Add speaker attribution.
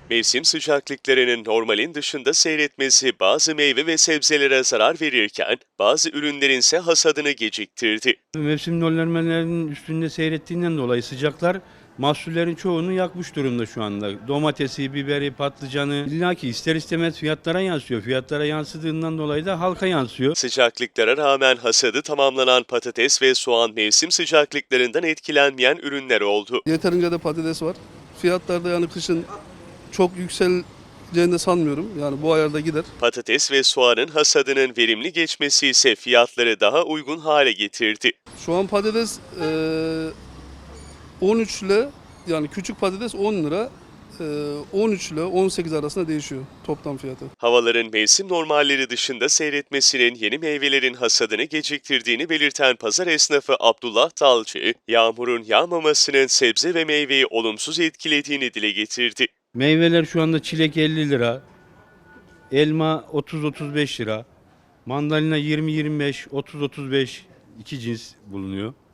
Speaker 1: Mevsim sıcaklıklarının normalin dışında seyretmesi bazı meyve ve sebzelere zarar verirken bazı ürünlerin ise hasadını geciktirdi.
Speaker 2: Mevsim döllenmelerinin üstünde seyrettiğinden dolayı sıcaklar mahsullerin çoğunu yakmış durumda şu anda. Domatesi, biberi, patlıcanı illaki ister istemez fiyatlara yansıyor. Fiyatlara yansıdığından dolayı da halka yansıyor.
Speaker 1: Sıcaklıklara rağmen hasadı tamamlanan patates ve soğan mevsim sıcaklıklarından etkilenmeyen ürünler oldu.
Speaker 3: Yeterince de patates var. Fiyatlar da yani kışın çok yükseleceğini de sanmıyorum. Yani bu ayarda gider.
Speaker 1: Patates ve soğanın hasadının verimli geçmesi ise fiyatları daha uygun hale getirdi.
Speaker 3: Şu an patates 13 ile yani küçük patates 10 lira. 13 ile 18 arasında değişiyor toplam fiyatı.
Speaker 1: Havaların mevsim normalleri dışında seyretmesinin yeni meyvelerin hasadını geciktirdiğini belirten pazar esnafı Abdullah Dalcı, yağmurun yağmamasının sebze ve meyveyi olumsuz etkilediğini dile getirdi.
Speaker 2: Meyveler şu anda çilek 50 lira, elma 30-35 lira, mandalina 20-25, 30-35 iki cins bulunuyor.